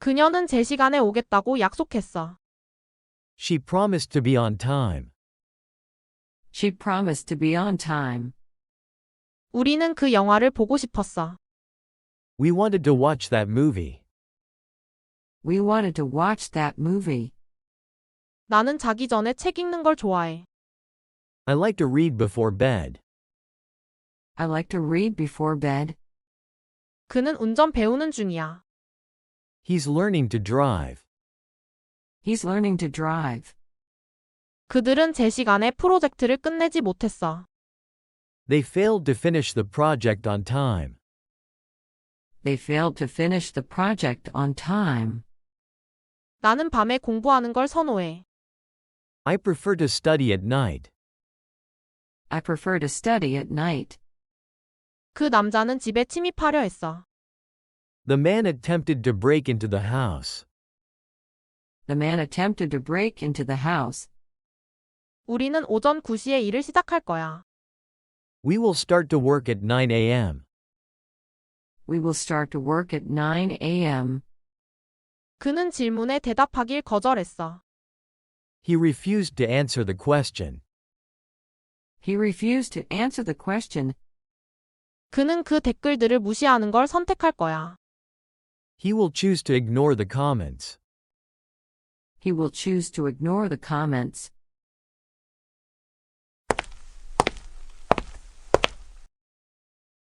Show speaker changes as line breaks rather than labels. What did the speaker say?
그녀는 제 시간에 오겠다고 약속했어.
She promised to be on time.
She promised to be on time.
우리는 그 영화를 보고 싶었어.
We wanted to watch that movie.
We wanted to watch that movie.
나는 자기 전에 책 읽는 걸 좋아해.
I like to read before bed.
I like to read before bed.
그는 운전 배우는 중이야.
He's learning to drive.
He's learning to drive.
그들은 제 시간에 프로젝트를 끝내지 못했어.
They failed to finish the project on time.
They failed to finish the project on time.
나는 밤에 공부하는 걸 선호해.
I prefer to study at night.
I prefer to study at night.
그 남자는 집에 침입하려 했어.
The man attempted to break into the house.
The man attempted to break into the house.
우리는 오전 9시에 일을 시작할 거야.
We will start to work at 9 a.m.
We will start to work at 9 a.m.
그는 질문에 대답하길 거절했어.
He refused to answer the question.
He refused to answer the question.
그는 그 댓글들을 무시하는 걸 선택할 거야.
He will choose to ignore the comments.
He will choose to ignore the comments.